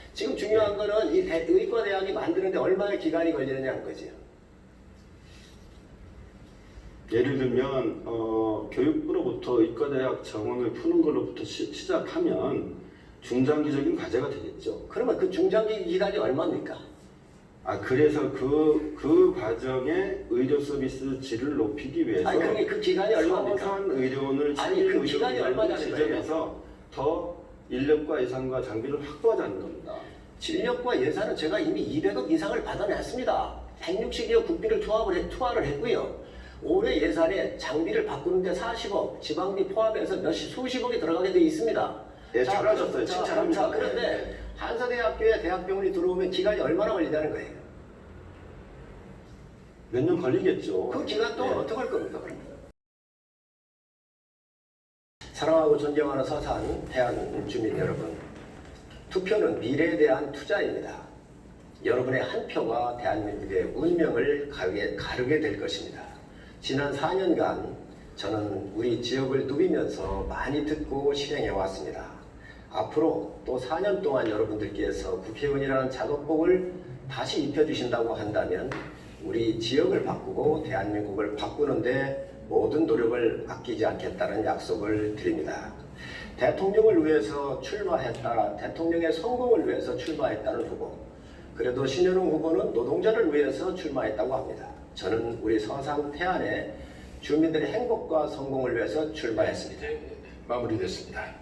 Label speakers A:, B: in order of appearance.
A: 지금 중요한 거는 이 의과대학이 만드는데 얼마나 기간이 걸리느냐는 거지요.
B: 예를 들면 교육부로부터 의과대학 정원을 푸는 걸로부터 시작하면 중장기적인 과제가 되겠죠.
A: 그러면 그 중장기 기간이 얼마입니까?
B: 그래서 그 과정에 의료 서비스 질을 높이기 위해서
A: 아니 그게 그 기간이 얼마입니까?
B: 서산 의료원을
A: 아니 그 기간이 얼마냐는 거예요.
B: 지정해서 더 인력과 예산과 장비를 확보하자는 겁니다.
A: 진력과 예산은 제가 이미 200억 이상을 받아냈습니다. 160여 국비를 투하를 했고요. 올해 예산에 장비를 바꾸는데 40억, 지방비 포함해서 수십억이 들어가게 돼 있습니다.
B: 예, 잘하셨어요. 칭찬합니다.
A: 그런데 한사대학교에 대학병원이 들어오면 기간이 얼마나 걸리냐는 거예요.
B: 몇 년 걸리겠죠.
A: 그 기간 동안 어떻게 할 겁니까? 그러면? 사랑하고 존경하는 서산 해안 주민 여러분, 투표는 미래에 대한 투자입니다. 여러분의 한 표가 대한민국의 운명을 가르게 될 것입니다. 지난 4년간 저는 우리 지역을 누비면서 많이 듣고 실행해 왔습니다. 앞으로 또 4년 동안 여러분들께서 국회의원이라는 작업복을 다시 입혀주신다고 한다면 우리 지역을 바꾸고 대한민국을 바꾸는데 모든 노력을 아끼지 않겠다는 약속을 드립니다. 대통령을 위해서 출마했다, 대통령의 성공을 위해서 출마했다는 후보, 그래도 신현웅 후보는 노동자를 위해서 출마했다고 합니다. 저는 우리 서산 태안의 주민들의 행복과 성공을 위해서 출마했습니다.
C: 마무리됐습니다.